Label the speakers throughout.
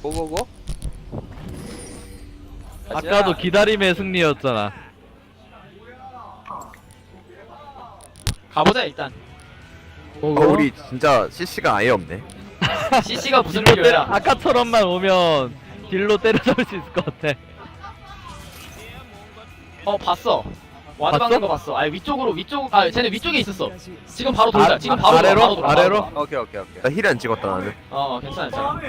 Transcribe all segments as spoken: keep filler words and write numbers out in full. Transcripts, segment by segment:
Speaker 1: 고고고.
Speaker 2: 아까도 기다림의 승리였잖아.
Speaker 3: 가보자 일단.
Speaker 4: 어, 우리 진짜 씨씨가 아예 없네.
Speaker 3: 씨씨가 무슨
Speaker 2: 딜로 때려,
Speaker 3: 필요야?
Speaker 2: 아까처럼만 오면 딜로 때려잡을 수 있을 것 같아.
Speaker 3: 어 봤어. 와드
Speaker 2: 봤어?
Speaker 3: 박는 거 봤어. 아 위쪽으로 위쪽. 아 쟤네 위쪽에 있었어. 지금 바로 돌자.
Speaker 2: 아,
Speaker 3: 지금 바로
Speaker 2: 아래로?
Speaker 3: 돌아, 바로 돌아,
Speaker 2: 아래로?
Speaker 3: 바로 돌아.
Speaker 1: 오케이 오케이 오케이.
Speaker 4: 나 힐 안 찍었다 나는.
Speaker 3: 어 괜찮아 괜찮아.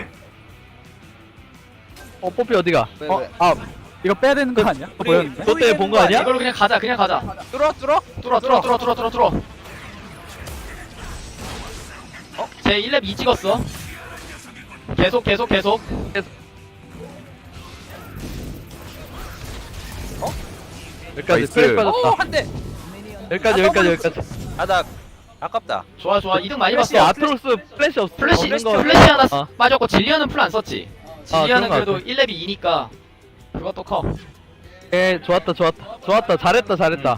Speaker 2: 어, 뽀삐 어디가?
Speaker 1: 왜,
Speaker 2: 어,
Speaker 1: 왜?
Speaker 2: 아,
Speaker 5: 이거 빼야 되는 거 아니야?
Speaker 1: 우리
Speaker 5: 보였는데?
Speaker 2: 너 때문에 본 거 아니야?
Speaker 3: 이걸로 그냥 가자. 그냥 가자.
Speaker 1: 뚫어 뚫어.
Speaker 3: 뚫어 뚫어 뚫어 뚫어 뚫어 뚫어. 어? 쟤 일 렙 이 찍었어. 계속 계속 계속.
Speaker 2: 여기까지
Speaker 4: 나이스.
Speaker 2: 스프레이 빠졌다.
Speaker 1: 오한 대.
Speaker 2: 여기까지, 여기까지, 여기까지.
Speaker 1: 아나 아깝다.
Speaker 3: 좋아 좋아. 이등 많이
Speaker 2: 플래시,
Speaker 3: 봤어.
Speaker 2: 아트로스 플래시 없,
Speaker 3: 플래시
Speaker 2: 없는 거.
Speaker 3: 플래시 하나
Speaker 2: 어.
Speaker 3: 빠졌고 질리언은 풀 안 썼지.
Speaker 2: 아,
Speaker 3: 질리언은
Speaker 2: 그런 거
Speaker 3: 그래도 일 렙이 이니까 그것도 커.
Speaker 2: 예, 좋았다, 좋았다. 좋았다, 잘했다, 잘했다.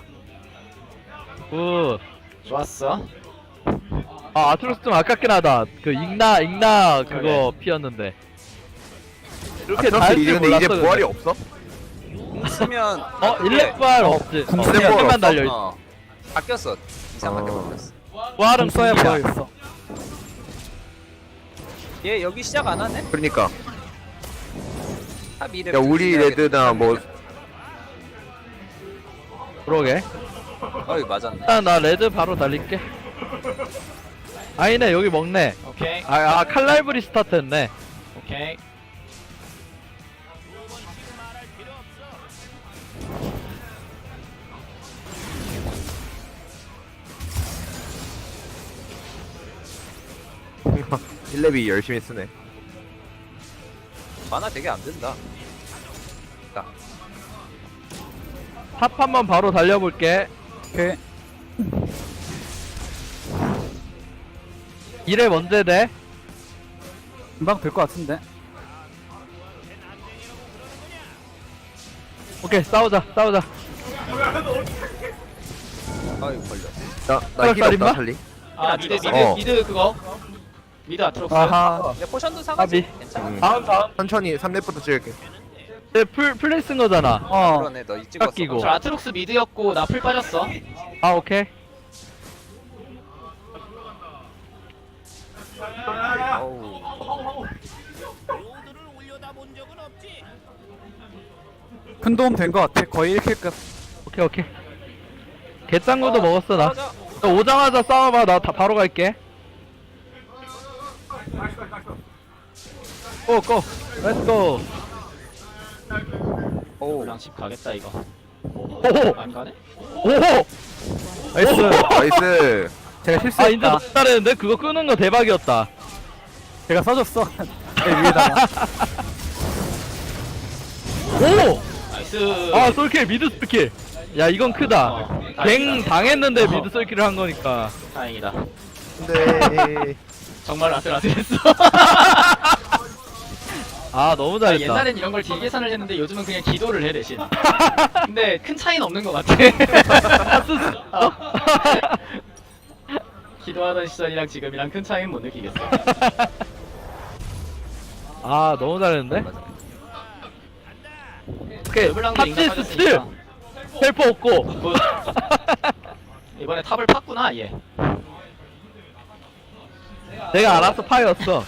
Speaker 2: 굿.
Speaker 3: 좋았어.
Speaker 2: 아, 아트로스 좀 아깝긴 하다. 그, igna, igna 그거
Speaker 3: 그래.
Speaker 2: 피었는데.
Speaker 4: 아,
Speaker 2: 이렇게
Speaker 4: 트러스
Speaker 2: 잘할
Speaker 4: 이제
Speaker 2: 줄
Speaker 4: 근데 이제
Speaker 2: 몰랐어.
Speaker 4: 부활이
Speaker 2: 근데.
Speaker 4: 없어?
Speaker 1: 쓰면
Speaker 2: 어, 일렙발 없지.
Speaker 4: 궁
Speaker 2: 어,
Speaker 4: 쓰는
Speaker 2: 그냥
Speaker 4: 거
Speaker 2: 만
Speaker 4: 없어?
Speaker 2: 달려있지.
Speaker 1: 어. 바뀌었어. 이상하게
Speaker 4: 어.
Speaker 1: 바뀌었어.
Speaker 2: 부활은
Speaker 5: 써야
Speaker 2: 궁이야.
Speaker 5: 보여있어.
Speaker 1: 얘 여기 시작 안 하네?
Speaker 4: 그러니까.
Speaker 1: 탑 이래.
Speaker 4: 야 우리 레드나 뭐
Speaker 2: 그러게.
Speaker 1: 어이 맞았네.
Speaker 2: 일단 나 레드 바로 달릴게. 아니네, 여기 먹네.
Speaker 3: 오케이
Speaker 2: 아, 아 칼날브리 스타트 했네.
Speaker 3: 오케이.
Speaker 4: 힐렙이 열심히 쓰네.
Speaker 1: 만화 되게 안 된다.
Speaker 2: 탑 한번 바로 달려볼게.
Speaker 5: 오케이.
Speaker 2: 이래 언제 돼?
Speaker 5: 금방 될 것 같은데?
Speaker 2: 오케이, 싸우자, 싸우자.
Speaker 1: 어이 걸려.
Speaker 4: 나나 힐
Speaker 2: 살인마?
Speaker 4: 없다 살리.
Speaker 3: 아 미드 미드
Speaker 4: 어.
Speaker 3: 미드 그거. 미드 아트록스.
Speaker 5: 아하.
Speaker 1: 야 포션도 사가지.
Speaker 2: 까비.
Speaker 1: 괜찮아.
Speaker 4: 음.
Speaker 2: 다음, 다음.
Speaker 4: 천천히 삼 렙부터 찍을게.
Speaker 2: 쟤 풀, 플레이 쓴 거잖아.
Speaker 5: 어.
Speaker 1: 그러네 너 이 찍었어.
Speaker 2: 깎이고.
Speaker 3: 저 아트록스 미드였고 나 풀 빠졌어.
Speaker 2: 아, 오케이.
Speaker 1: 어우.
Speaker 5: 큰 도움 된 것 같아. 거의 일 킬급.
Speaker 2: 오케이, 오케이. 개짱구도 먹었어, 나.
Speaker 1: 맞아.
Speaker 2: 너 오자마자 싸워봐, 나 다 바로 갈게. 고, 고. 렛츠고.
Speaker 1: 오.
Speaker 3: 그냥 집 가겠다 이거.
Speaker 2: 오호!
Speaker 3: 안 가네?
Speaker 2: 오호! 나이스.
Speaker 4: 나이스.
Speaker 5: 제가
Speaker 2: 아,
Speaker 5: 실수했다.
Speaker 2: 인제 못 따르는데? 그거 끄는 거 대박이었다.
Speaker 5: 제가 써줬어. 제 위에다가.
Speaker 3: 네.
Speaker 2: 오!
Speaker 3: 나이스.
Speaker 2: 아, 솔킬, 미드 솔킬. 야, 이건 크다.
Speaker 3: 어,
Speaker 2: 갱
Speaker 3: 다행이다.
Speaker 2: 당했는데
Speaker 3: 어.
Speaker 2: 미드 솔킬을 한 거니까.
Speaker 3: 다행이다.
Speaker 4: 근데
Speaker 3: 정말 아슬아슬했어.
Speaker 2: 아, 너무
Speaker 3: 아,
Speaker 2: 잘했다.
Speaker 3: 옛날엔 이런 걸 딜 계산을 했는데 요즘은 그냥 기도를 해 대신. 근데 큰 차이는 없는 것 같아. 어. 기도하던 시절이랑 지금이랑 큰 차이는 못 느끼겠어.
Speaker 2: 아, 너무 잘했는데? 오케이,
Speaker 3: 르블랑도
Speaker 2: 탑지
Speaker 3: 인간
Speaker 2: 스틸!
Speaker 3: 빠졌으니까.
Speaker 2: 헬퍼 없고.
Speaker 3: 굿. 이번에 탑을 팠구나 얘.
Speaker 2: 내가 알아서 파였어.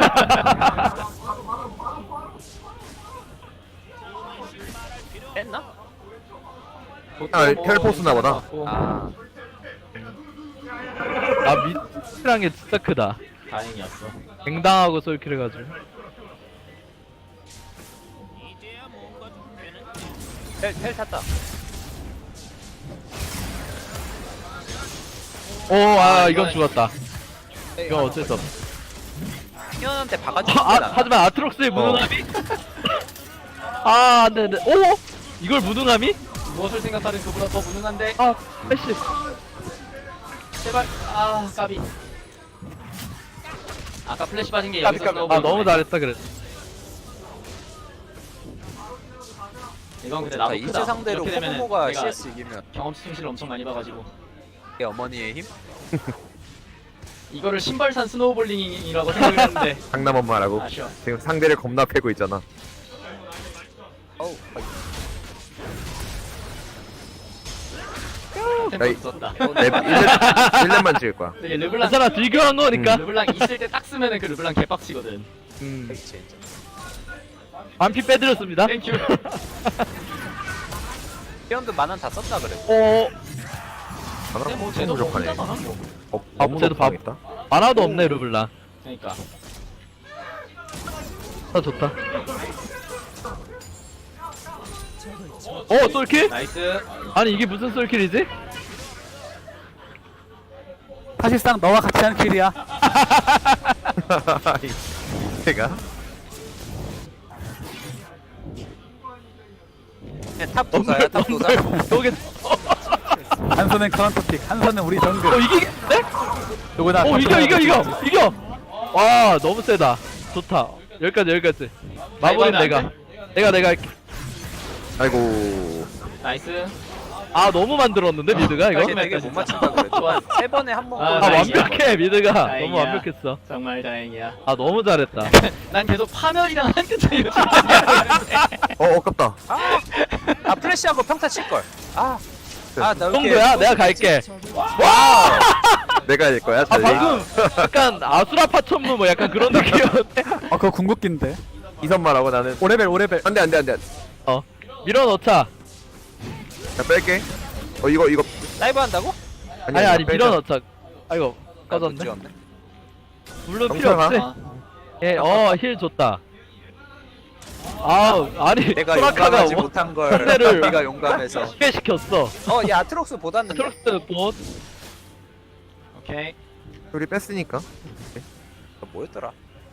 Speaker 1: 뺐나?
Speaker 4: 아 텔포스나 보다.
Speaker 1: 아.
Speaker 2: 아, 미드랑 게 진짜 크다.
Speaker 3: 다행이었어.
Speaker 2: 갱당하고 솔킬 해가지고.
Speaker 1: 텔, 텔 탔다.
Speaker 2: 오, 아, 이건
Speaker 3: 이거는-
Speaker 2: 죽었다. 이건 어쩔 수 없어.
Speaker 1: 희연한테 박아주는
Speaker 2: 아,
Speaker 1: 거다.
Speaker 2: 하지만 아트록스의 무능함이? 아, 안 돼, 안 돼. 오! 이걸 무능함이?
Speaker 3: 무엇을 생각하든 그보다 더 무능한데.
Speaker 2: 아, 패시.
Speaker 3: 제발. 아 까비. 아까 플래시 빠진 게
Speaker 2: 까비,
Speaker 3: 여기서
Speaker 2: 까비.
Speaker 3: 스노우볼
Speaker 2: 아, 너무
Speaker 3: 거네.
Speaker 2: 잘했다, 그래.
Speaker 3: 이건 근데
Speaker 1: 자,
Speaker 3: 나도
Speaker 1: 이제
Speaker 3: 크다.
Speaker 1: 상대로
Speaker 3: 이렇게 되면은
Speaker 1: 코코모가
Speaker 3: 내가
Speaker 1: 씨에스 이기면
Speaker 3: 경험 수치를 엄청 많이 봐가지고.
Speaker 1: 이게 어머니의 힘?
Speaker 3: 이거를 신발산 스노우볼링이라고 생각했는데
Speaker 4: 장남 엄마라고.
Speaker 3: 아쉬워.
Speaker 4: 지금 상대를 겁나 패고 있잖아.
Speaker 1: 어우
Speaker 3: 템포
Speaker 4: 야이.
Speaker 3: 썼다.
Speaker 4: 내 일 렙만 찍을 거야.
Speaker 3: 되게 르블랑
Speaker 2: 괜찮아 딜교환 거니까
Speaker 3: 르블랑 있을 때 딱 쓰면은 그 르블랑 개빡치거든.
Speaker 4: 음.
Speaker 1: 그치
Speaker 2: 반피 빼드렸습니다.
Speaker 3: 땡큐.
Speaker 1: 피언도 만원 다 썼다 그래.
Speaker 2: 어
Speaker 3: 근데 뭐
Speaker 4: 하나
Speaker 3: 쟤도 뭐
Speaker 4: 부족하네.
Speaker 3: 혼자잖아 뭐.
Speaker 4: 어,
Speaker 2: 아,
Speaker 4: 너무
Speaker 2: 쟤도 밥-
Speaker 4: 높아겠다.
Speaker 2: 만화도 없네 르블랑.
Speaker 3: 그러니까.
Speaker 2: 아 좋다. 어 솔킬?
Speaker 3: 나이스.
Speaker 2: 아니 이게 무슨 솔킬이지?
Speaker 5: 사실상 너와 같이 하는 킬이야.
Speaker 4: 제가
Speaker 1: 탑 도사야 탑 도사.
Speaker 2: 저게
Speaker 5: 한 손은 카운터픽, 한 손은 우리 정글.
Speaker 2: 어 이기겠네?
Speaker 5: 누구나
Speaker 2: 어 이겨 이겨 이겨 이겨. 와 너무 세다. 좋다. 여기까지 여기까지. 마무리는
Speaker 3: 안
Speaker 2: 내가.
Speaker 3: 돼?
Speaker 2: 내가 내가 할게.
Speaker 4: 아이고.
Speaker 3: 나이스.
Speaker 2: 아 너무 만들었는데 미드가 이거?
Speaker 1: 사실 되게 못 맞춘다 그래.
Speaker 3: 좋아.
Speaker 1: 세 번에 한 번.
Speaker 3: 아,
Speaker 2: 아
Speaker 3: 다행이야.
Speaker 2: 완벽해 미드가. 너무
Speaker 3: 다행이야.
Speaker 2: 완벽했어.
Speaker 3: 정말 다행이야.
Speaker 2: 아 너무 잘했다.
Speaker 3: 난 계속 파멸이랑 한끗 차이로
Speaker 4: 어, 아깝다.
Speaker 1: 아, 아 플래시하고 평타 칠 걸. 아, 아, 나 이렇게
Speaker 2: 정도야 내가 갈게.
Speaker 4: 내가 할 거야,
Speaker 2: 아
Speaker 4: 찰리.
Speaker 2: 방금 약간 아수라파 천무 뭐 약간 그런 느낌이었는데.
Speaker 5: 아 그거 궁극기인데.
Speaker 4: 이선말하고 나는.
Speaker 5: 오레벨 오레벨.
Speaker 4: 안 돼, 안 돼, 안 돼.
Speaker 2: 어 밀어넣자.
Speaker 4: 자, 뺄게. 어, 이거, 이거.
Speaker 1: 라이브 한다고?
Speaker 2: 아니 아니
Speaker 4: 빼자.
Speaker 2: 밀어넣자. 아이고
Speaker 1: 나
Speaker 2: 꺼졌네.
Speaker 1: 찍었네.
Speaker 2: 물론 필요
Speaker 4: 영상아.
Speaker 2: 없지. 예, 어, 힐 좋다. 아, 아니,
Speaker 1: 내가
Speaker 2: 소라카가
Speaker 1: 용감하지
Speaker 2: 뭐
Speaker 1: 못한 걸
Speaker 2: 상대를
Speaker 1: 네가 용감해서.
Speaker 2: 쉽게 시켰어.
Speaker 1: 어, 얘 아트록스 보았는데.
Speaker 2: 트럭스 봇.
Speaker 3: 오케이.
Speaker 4: 우리 뺐으니까.
Speaker 1: 어, 뭐였더라?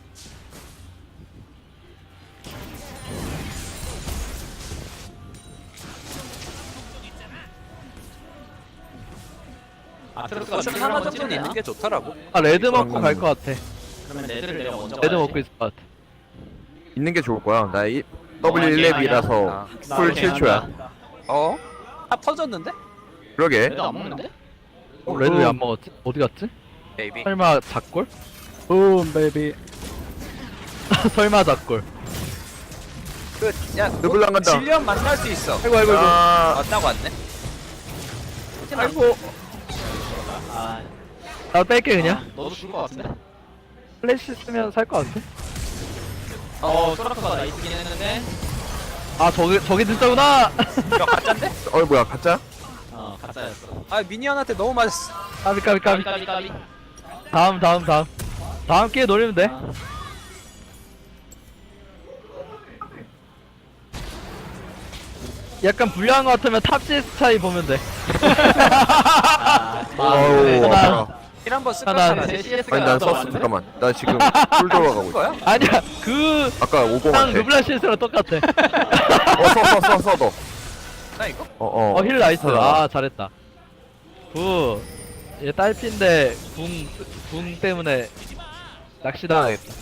Speaker 3: 아트로스가
Speaker 1: 포션 하나 정도는 있는 게 좋더라고.
Speaker 2: 아, 레드 먹고
Speaker 4: 음.
Speaker 2: 갈 것 같아.
Speaker 3: 그러면 레드를 내가 먼저
Speaker 2: 레드
Speaker 3: 가야지.
Speaker 2: 먹고 있을 것 같아.
Speaker 4: 있는 게 좋을 거야. 나 이, 더블유
Speaker 3: 어,
Speaker 4: 일 렙이라서
Speaker 1: 아,
Speaker 4: 풀
Speaker 3: 나
Speaker 4: 칠 초야.
Speaker 1: 어? 탑 터졌는데?
Speaker 4: 그러게.
Speaker 3: 레드 안 먹는데?
Speaker 2: 어, 레드 왜 안 먹었지? 어디 갔지?
Speaker 1: 베이비.
Speaker 2: 설마 작골?
Speaker 5: 붐 베이비.
Speaker 2: 설마 작골.
Speaker 1: 그, 야,
Speaker 4: 르블랑 간다.
Speaker 1: 질리언 만날 수 있어.
Speaker 2: 아이고, 아이고, 아이고.
Speaker 4: 아,
Speaker 1: 왔다고 왔네.
Speaker 2: 아이고.
Speaker 3: 아,
Speaker 2: 나 뺄게, 그냥.
Speaker 3: 너도 죽을 것 같은데?
Speaker 2: 플래시 쓰면 살 것 같아.
Speaker 3: 어, 소라카가 나이스긴 했는데.
Speaker 2: 아, 저게, 저게 진짜구나!
Speaker 1: 이거 가짠데?
Speaker 4: 어, 뭐야, 가짜?
Speaker 3: 어, 가짜였어.
Speaker 1: 아, 미니언한테 너무 맞았어.
Speaker 2: 까비, 까비, 까비.
Speaker 3: 까비 까비 까비.
Speaker 2: 다음, 다음, 다음. 다음 기회 노리면 돼.
Speaker 3: 아.
Speaker 2: 약간 불리한 것 같으면 탑 씨에스 차이 보면 돼.
Speaker 3: 아,
Speaker 4: 어우,
Speaker 3: 네.
Speaker 2: 하나.
Speaker 4: 아파라.
Speaker 1: 힐 한번 쓸까?
Speaker 2: 하나,
Speaker 1: 하나,
Speaker 3: 제
Speaker 1: 셋.
Speaker 3: 씨에스가
Speaker 4: 아니, 난
Speaker 3: 더
Speaker 4: 썼어.
Speaker 3: 많은데?
Speaker 4: 잠깐만. 나 지금 풀 들어가고 있어.
Speaker 1: 거야?
Speaker 2: 아니야, 그,
Speaker 4: 아까 오공
Speaker 2: 랑
Speaker 4: 한테.
Speaker 2: 르블란 씨에스랑 똑같아.
Speaker 4: 어, 써, 써, 써, 써, 너.
Speaker 1: 나 이거?
Speaker 4: 어, 어.
Speaker 2: 어, 힐 나이스.
Speaker 4: 하나.
Speaker 2: 아, 잘했다. 굿. 얘 딸피인데, 궁, 궁 때문에 낚시당하겠다.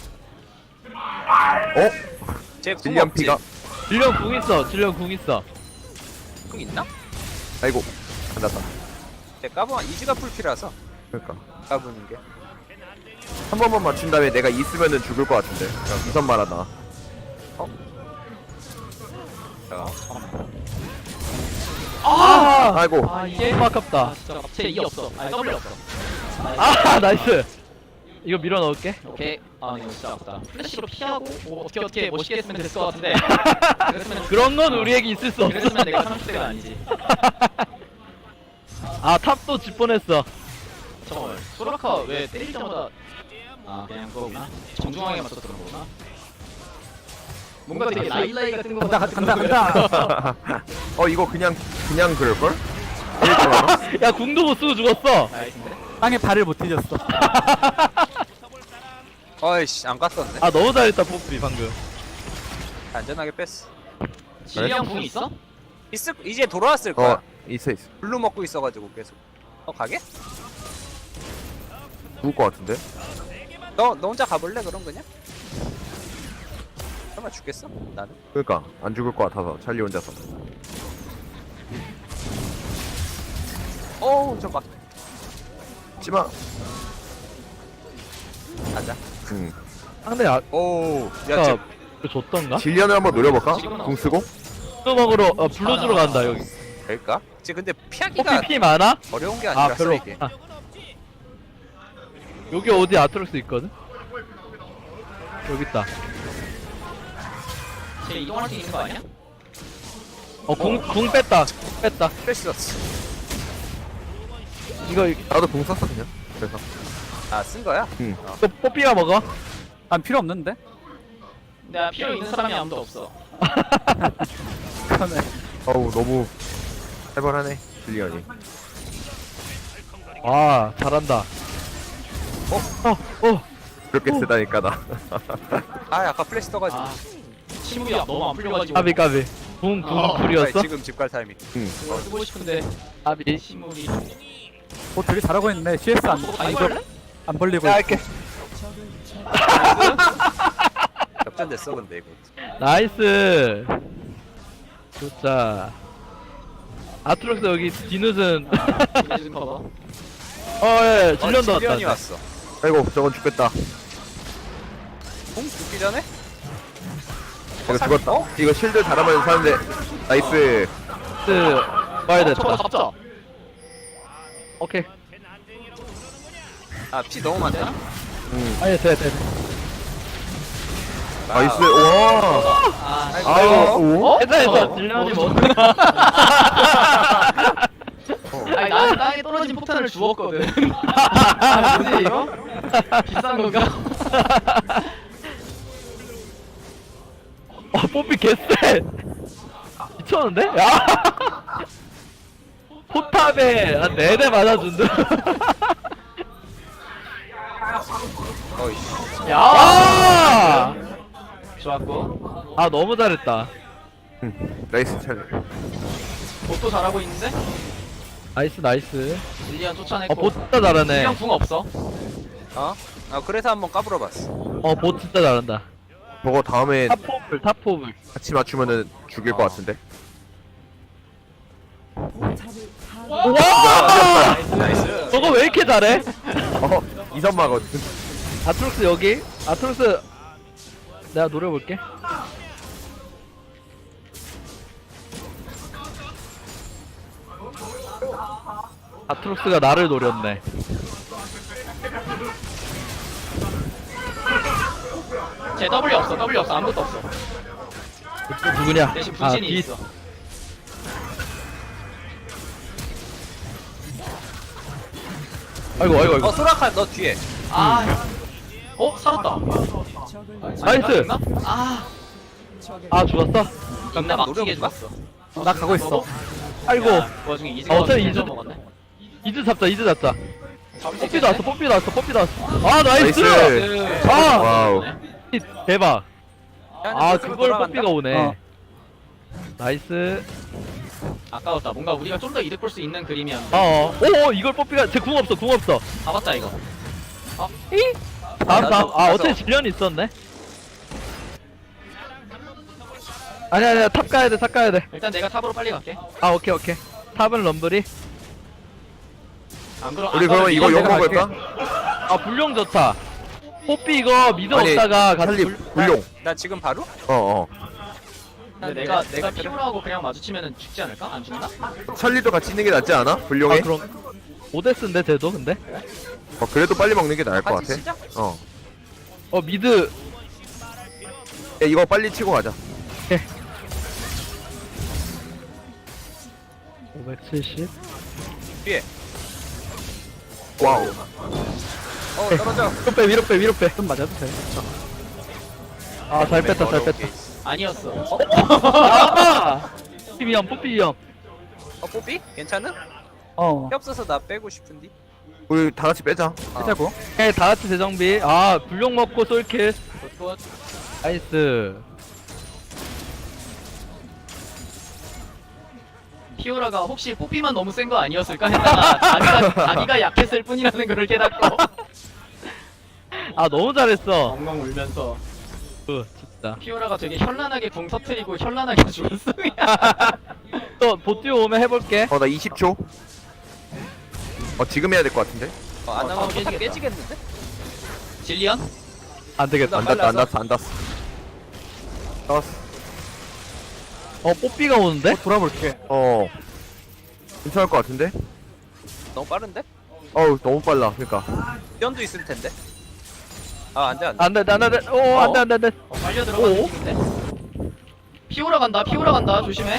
Speaker 4: 어?
Speaker 1: 쟤궁
Speaker 4: 질리언
Speaker 1: 없지?
Speaker 4: 피가.
Speaker 2: 질련 궁 있어, 질련 궁 있어.
Speaker 1: 궁 있나?
Speaker 4: 아이고. 안 났다.
Speaker 1: 쟤 까보면 이지가 풀피라서
Speaker 4: 그러니까.
Speaker 1: 까부는 게.
Speaker 4: 한 번만 맞춘 다음에 내가 있으면은 죽을 것 같은데. 우선 말하나.
Speaker 1: 자,
Speaker 2: 아!
Speaker 4: 아이고.
Speaker 3: 아, 이게
Speaker 2: 너무 아깝다.
Speaker 3: 아, 진짜 제 E 없어. 아니, W 없어.
Speaker 2: 아, 나이스. 이거 밀어 넣을게.
Speaker 3: 오케이. 아, 이거 진짜 아프다. 플래시로 피하고 뭐 어떻게 어떻게 멋있게 했으면 됐을 것 같은데. 그랬으면
Speaker 2: 그런 건 우리에게 있을 수 없어.
Speaker 3: 그랬으면 내가 삼십 대가 아니지.
Speaker 2: 아, 탑도 집 보냈어.
Speaker 3: 잠깐만. 소라카 왜 때릴 때마다 아, 그냥 그거구나. 정중하게 맞춰서 그런 거구나. 뭔가 되게 라일라이 같은 거
Speaker 5: 간다 간다 간다.
Speaker 4: 어, 이거 그냥, 그냥 그럴걸? 일단
Speaker 2: 야, 궁도 못 쓰고 죽었어.
Speaker 3: 나이스인데?
Speaker 5: 땅에 발을 못 뒤졌어.
Speaker 1: 어이씨, 안 갔었네.
Speaker 2: 아, 너무 잘했다, 뽀삐, 방금.
Speaker 1: 안전하게 뺐어.
Speaker 3: 질량 궁이 있어?
Speaker 1: 있을, 이제 돌아왔을 거야.
Speaker 4: 어, 있어, 있어.
Speaker 1: 블루 먹고 있어가지고 계속. 어, 가게?
Speaker 4: 죽을 것 같은데?
Speaker 1: 너, 너 혼자 가볼래? 그럼 그냥? 설마 죽겠어? 나는?
Speaker 4: 그러니까 안 죽을 것 같아서 찰리 혼자서.
Speaker 1: 어우, 저 막.
Speaker 4: 찌마.
Speaker 1: 가자.
Speaker 4: 응.
Speaker 2: 상대 아,
Speaker 1: 오, 야,
Speaker 2: 아
Speaker 1: 지금
Speaker 2: 줬던가?
Speaker 4: 질련을 한번 노려볼까?
Speaker 3: 지금은
Speaker 4: 궁 쓰고?
Speaker 2: 블루 먹으러 어 블루 주러 간다 여기.
Speaker 1: 될까? 지금 근데 피하기가
Speaker 2: 뽀삐 피 많아?
Speaker 1: 어려운 게
Speaker 2: 아
Speaker 1: 아니라서
Speaker 2: 별로
Speaker 1: 이게.
Speaker 2: 없다. 여기 어디 아트록스 있거든? 여기 있다.
Speaker 3: 쟤 이동할 수 있는 거 아니야?
Speaker 2: 어궁 궁 뺐다. 궁 뺐다.
Speaker 1: 플래시 썼어.
Speaker 2: 이거
Speaker 4: 나도 궁 썼어 그냥. 그래서.
Speaker 1: 아, 쓴 거야?
Speaker 4: 응.
Speaker 2: 이거 뽀삐가 먹어.
Speaker 5: 안 필요 없는데?
Speaker 3: 내가 필요 있는 사람이 아무도 없어.
Speaker 5: 그러네.
Speaker 4: 어우 너무 살벌하네 질련이.
Speaker 2: 와 잘한다. 어? 어? 어?
Speaker 4: 그렇게 쓰다니까 나.
Speaker 1: 아, 아까 플래시 떠가지고.
Speaker 3: 아, 친구야 너무 안 풀려가지고.
Speaker 2: 까비 까비. 궁, 궁,
Speaker 3: 어.
Speaker 1: 아니,
Speaker 2: 쿨이었어?
Speaker 1: 지금 집 갈 타이밍.
Speaker 3: 그거 쓰고 싶은데
Speaker 2: 까비.
Speaker 3: 시물이.
Speaker 5: 어 되게 잘하고 있네. 씨에스 안,
Speaker 3: 아
Speaker 5: 안,
Speaker 3: 이걸?
Speaker 5: 벌, 안 벌리고
Speaker 2: 야,
Speaker 5: 있고.
Speaker 2: 이렇게.
Speaker 1: 역전됐어, 근데 이거.
Speaker 2: 나이스. 좋자. 아트록스 여기 디누슨.
Speaker 3: 이래준 커버.
Speaker 2: 어, 예, 질련도
Speaker 1: 어, 질련이
Speaker 2: 왔다.
Speaker 1: 왔어.
Speaker 4: 아이고 저건 죽겠다.
Speaker 1: 공 죽기 전에?
Speaker 4: 이거
Speaker 1: 살-
Speaker 4: 죽었다.
Speaker 1: 어?
Speaker 4: 이거 실드 달아면 사는데 나이스.
Speaker 2: 스, 봐야
Speaker 3: 저거
Speaker 2: 됐다.
Speaker 3: 잡자.
Speaker 2: 오케이.
Speaker 1: 아, 피 너무 많다.
Speaker 4: 응.
Speaker 2: 아예 돼, 돼.
Speaker 4: 나이스. 와.
Speaker 3: 아,
Speaker 4: 아이고. 오?
Speaker 2: 됐다, 됐다.
Speaker 3: 어?
Speaker 2: 질련이
Speaker 3: 뭐-
Speaker 2: 뭐.
Speaker 3: 아니 나는 땅에 떨어진 폭탄을 주웠거든. 아 뭐지 이거? 비싼 건가?
Speaker 2: 어, 뽀삐 개쎄. 미쳤는데? 야! 포탑에 한 네 대 맞아준다.
Speaker 1: 어이씨.
Speaker 3: 야.
Speaker 2: 아!
Speaker 3: 좋았고.
Speaker 2: 아, 너무 잘했다.
Speaker 4: 응. 나이스 차례.
Speaker 3: 보도 잘하고 있는데?
Speaker 2: 나이스, 나이스.
Speaker 3: 릴리안
Speaker 2: 어,
Speaker 3: 쫓아냈고.
Speaker 2: 보 진짜 잘하네.
Speaker 3: 릴리안 궁 없어.
Speaker 1: 어? 아, 그래서 한번 까불어봤어.
Speaker 2: 어, 보 진짜 잘한다.
Speaker 4: 저거 다음에
Speaker 2: 탑포블, 탑포블.
Speaker 4: 같이 맞추면은 죽일 것 같은데.
Speaker 2: 와!
Speaker 1: 나이스, 나이스.
Speaker 2: 저거 왜 이렇게 잘해?
Speaker 4: 어 이선마거든.
Speaker 2: 아트록스 여기. 아트록스 내가 노려볼게. 아트록스가 나를 노렸네.
Speaker 3: 쟤 W 없어. W 없어. 아무것도 없어.
Speaker 2: 또 누구냐?
Speaker 3: 대신
Speaker 2: 아,
Speaker 3: 분신이
Speaker 2: 디-
Speaker 3: 있어.
Speaker 2: 아이고, 아이고, 아이고.
Speaker 1: 어, 소라카 너 뒤에.
Speaker 3: 아. 어 살았다.
Speaker 2: 나이스.
Speaker 3: 나 아.
Speaker 2: 아, 죽었어?
Speaker 3: 나 막히게
Speaker 1: 노려볼까?
Speaker 3: 죽었어.
Speaker 5: 나 가고 있어.
Speaker 2: 아이고.
Speaker 3: 그 와중에 이즈가
Speaker 2: 어, 저
Speaker 3: 완전
Speaker 2: 이즈-
Speaker 3: 먹었네.
Speaker 2: 이즈 잡자, 이즈 잡자.
Speaker 3: 잡을 수
Speaker 2: 뽀삐도
Speaker 3: 있겠네?
Speaker 2: 왔어, 뽀삐도 왔어, 뽀삐도 왔어. 아, 나이스!
Speaker 4: 나이스.
Speaker 2: 아!
Speaker 4: 와우.
Speaker 2: 대박.
Speaker 1: 야,
Speaker 2: 아,
Speaker 1: 스스로
Speaker 2: 그걸
Speaker 1: 돌아간다.
Speaker 2: 뽀삐가 오네.
Speaker 5: 어.
Speaker 2: 나이스.
Speaker 3: 아까웠다. 뭔가 우리가 좀 더 이득 볼 수 있는 그림이었는데.
Speaker 2: 어, 어. 오, 이걸 뽀삐가, 제 궁 없어, 궁 없어.
Speaker 3: 잡았다 이거.
Speaker 2: 다음,
Speaker 1: 나도
Speaker 2: 다음. 아,
Speaker 1: 가서-
Speaker 2: 어차피 질련이 있었네. 아니야, 아니야, 탑 가야 돼, 탑 가야 돼.
Speaker 3: 일단 내가 탑으로 빨리 갈게.
Speaker 2: 아, 오케이, 오케이. 탑은 럼블이.
Speaker 3: 안 그러.
Speaker 4: 우리
Speaker 3: 안
Speaker 4: 그러면
Speaker 3: 가면
Speaker 4: 이거
Speaker 5: 내가
Speaker 4: 용
Speaker 5: 갈게.
Speaker 4: 먹을까?
Speaker 2: 아, 불룡 좋다. 뽀삐 이거 미드
Speaker 4: 아니,
Speaker 2: 없다가 같이
Speaker 4: 살리
Speaker 2: 불...
Speaker 4: 불용.
Speaker 1: 나 지금 바로?
Speaker 4: 어 어.
Speaker 3: 근데 내가 내가 피오라고 그냥 마주치면은 죽지 않을까? 안 죽나?
Speaker 4: 찰리도 같이 있는 게 낫지 않아? 불용해?
Speaker 2: 아, 그럼. 오데스인데, 쟤도, 근데?
Speaker 4: 어 그래도 빨리 먹는 게 나을 것
Speaker 1: 같이
Speaker 4: 같아.
Speaker 1: 시작?
Speaker 4: 어.
Speaker 2: 어, 미드.
Speaker 4: 야, 이거 빨리 치고 가자.
Speaker 2: 오백칠십.
Speaker 1: 뒤에.
Speaker 4: 와우.
Speaker 1: 어, 떨어져.
Speaker 2: 위로 빼, 위로 빼, 위로 빼.
Speaker 5: 좀 맞아도 돼.
Speaker 2: 아, 잘 뺐다, 잘
Speaker 1: 어려운
Speaker 2: 뺐다.
Speaker 1: 게 있어.
Speaker 3: 아니었어.
Speaker 2: 아! 뽀삐 위험, 뽀삐 위험.
Speaker 1: 어, 뽀삐? 괜찮은?
Speaker 5: 어.
Speaker 1: 피 없어서 나 빼고 싶은디?
Speaker 4: 우리 다 같이 빼자.
Speaker 5: 하자고.
Speaker 2: 오케이, 다 같이 재정비. 아, 불룡 먹고 솔킬.
Speaker 3: 굿굿.
Speaker 2: 나이스.
Speaker 3: 피오라가 혹시 뽀삐만 너무 센 거 아니었을까 했다가 자기가 자기가 약했을 뿐이라는 걸 깨닫고
Speaker 2: 아, 너무 잘했어.
Speaker 3: 엉엉 울면서
Speaker 2: 그, 진짜.
Speaker 3: 피오라가 되게 현란하게 궁 터트리고 현란하게 죽었어.
Speaker 2: 또, 보띠오 오면 해볼게.
Speaker 4: 어 나 이십 초. 어 지금 해야 될 것 같은데.
Speaker 1: 어, 안
Speaker 3: 어,
Speaker 1: 하면
Speaker 3: 깨지겠다.
Speaker 1: 깨지겠는데?
Speaker 3: 질리언?
Speaker 2: 안 되겠다.
Speaker 4: 안 닿았다 안 닿았어 안 닿았어. 닿았어.
Speaker 2: 어 뽀삐가 오는데?
Speaker 5: 돌아볼게.
Speaker 4: 어. 괜찮을 것 같은데?
Speaker 1: 너무 빠른데?
Speaker 4: 어우 너무 빨라. 그러니까.
Speaker 1: 연도 있을 텐데. 아 안돼 안돼.
Speaker 2: 안돼 안돼 안돼. 오 안돼 안돼 안돼.
Speaker 3: 어, 빨려 들어간
Speaker 2: 오?
Speaker 3: 느낌인데? 피오라 간다, 피오라 간다, 조심해.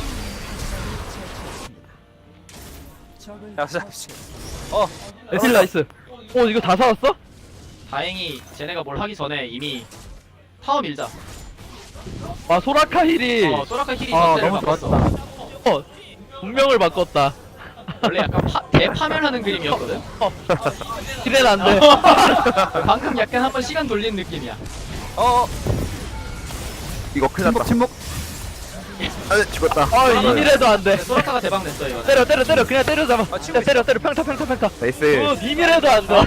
Speaker 1: 자, 자, 자. 어
Speaker 2: 에슬 나이스. 오 이거 다 살았어?
Speaker 3: 다행히 쟤네가 뭘 하기 전에 이미 타워 밀자.
Speaker 2: 와 소라카 힐이
Speaker 3: 어, 소라카 힐이
Speaker 5: 아,
Speaker 3: 전체를
Speaker 5: 너무
Speaker 3: 바꿨어.
Speaker 5: 좋았다.
Speaker 2: 어 운명을 바꿨다.
Speaker 3: 원래 약간 파, 대파멸하는 그림이었거든?
Speaker 2: 힐은 안 돼.
Speaker 3: 방금 약간 한번 시간 돌린 느낌이야.
Speaker 1: 어.
Speaker 4: 이거 큰일 났다.
Speaker 5: 침묵, 침묵.
Speaker 4: 아 죽었다.
Speaker 2: 아 이미래도 안 돼.
Speaker 3: 소라카가 대박 냈어, 이거.
Speaker 2: 때려 때려 때려 그냥 때려 잡아.
Speaker 1: 아, 치고
Speaker 2: 때려 때려 평타 평타 평타.
Speaker 4: 나이스.
Speaker 2: 어 이미래도 안 돼.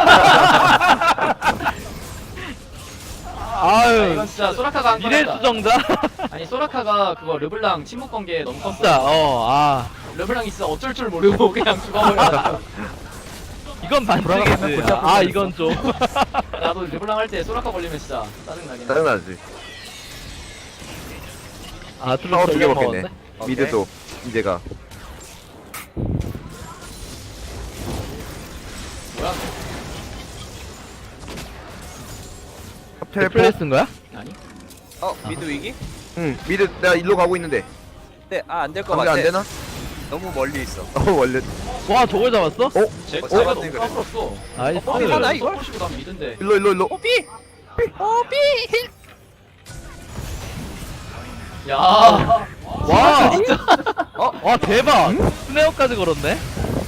Speaker 2: 아유
Speaker 3: 이건 진짜 소라카가 한
Speaker 2: 미래
Speaker 3: 거다.
Speaker 2: 수정자.
Speaker 3: 아니, 소라카가 그거 르블랑 침묵 관계 너무 컸어.
Speaker 2: 진짜 어아
Speaker 3: 르블랑이 진짜 어쩔 줄 모르고 그냥 죽어버렸어.
Speaker 2: 이건
Speaker 5: 돌아가면
Speaker 2: 반칙이지.
Speaker 5: 골치
Speaker 2: 아
Speaker 5: 아프게
Speaker 2: 이건 좀.
Speaker 3: 나도 르블랑 할 때 소라카 걸리면 진짜 짜증나긴 해.
Speaker 4: 짜증나지.
Speaker 2: 아 트루
Speaker 4: 타워 두개
Speaker 2: 돌려
Speaker 4: 먹겠네.
Speaker 2: 먹었네.
Speaker 4: 미드도 이제가.
Speaker 3: 뭐야?
Speaker 4: 텔포.
Speaker 2: 플레이스인 거야?
Speaker 3: 아니?
Speaker 1: 어 미드 위기?
Speaker 4: 응 미드 내가 일로 가고 있는데.
Speaker 1: 네, 아 안 될 것
Speaker 4: 관계
Speaker 1: 같아.
Speaker 4: 안 되나?
Speaker 1: 너무 멀리 있어.
Speaker 4: 어 원래.
Speaker 2: 와 저걸 잡았어?
Speaker 4: 어?
Speaker 3: 쟤,
Speaker 1: 어,
Speaker 3: 쟤가
Speaker 1: 잡았네,
Speaker 3: 너무
Speaker 1: 그래.
Speaker 3: 까불었어.
Speaker 2: 나이스.
Speaker 1: 어, 하나 이걸?
Speaker 3: 서포시고 난 미든데.
Speaker 4: 일로 일로 일로.
Speaker 1: 삐. 어 삐.
Speaker 3: 야.
Speaker 2: 와
Speaker 3: 진짜.
Speaker 2: 어? 와 대박. 스네어까지 걸었네.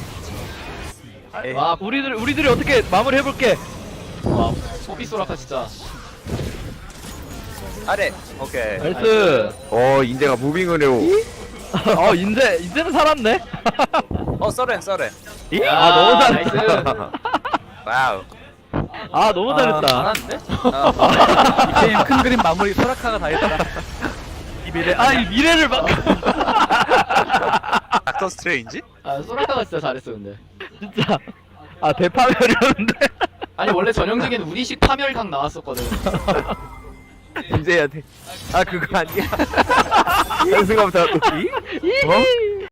Speaker 3: 와,
Speaker 2: 우리들 우리들이 어떻게 마무리 해볼게.
Speaker 3: 와, 소비 소라카 진짜.
Speaker 1: 아래. 오케이.
Speaker 2: 나이스.
Speaker 4: 어 인제가 무빙을 해요.
Speaker 2: 어 인제 인제는 살았네.
Speaker 1: 어 써렌 써렌.
Speaker 3: 야,
Speaker 2: 아 너무
Speaker 3: 나이스.
Speaker 2: 잘했다.
Speaker 1: 와우.
Speaker 2: 아 너무 잘했다.
Speaker 3: 잘하는데?
Speaker 1: 어.
Speaker 5: 이 게임 큰 그림 마무리 소라카가 다 했다.
Speaker 2: 이 미래 아이 미래를 막.
Speaker 1: 닥터 스트레인지?
Speaker 3: 아, 소라카가 진짜 잘했어, 근데.
Speaker 2: 진짜. 아 대파멸이었는데.
Speaker 3: 아니, 원래 전형적인 우리식 파멸각 나왔었거든.
Speaker 4: 인제 해야 돼. 아 그거 아니야. 연승가부터 또 이? 어?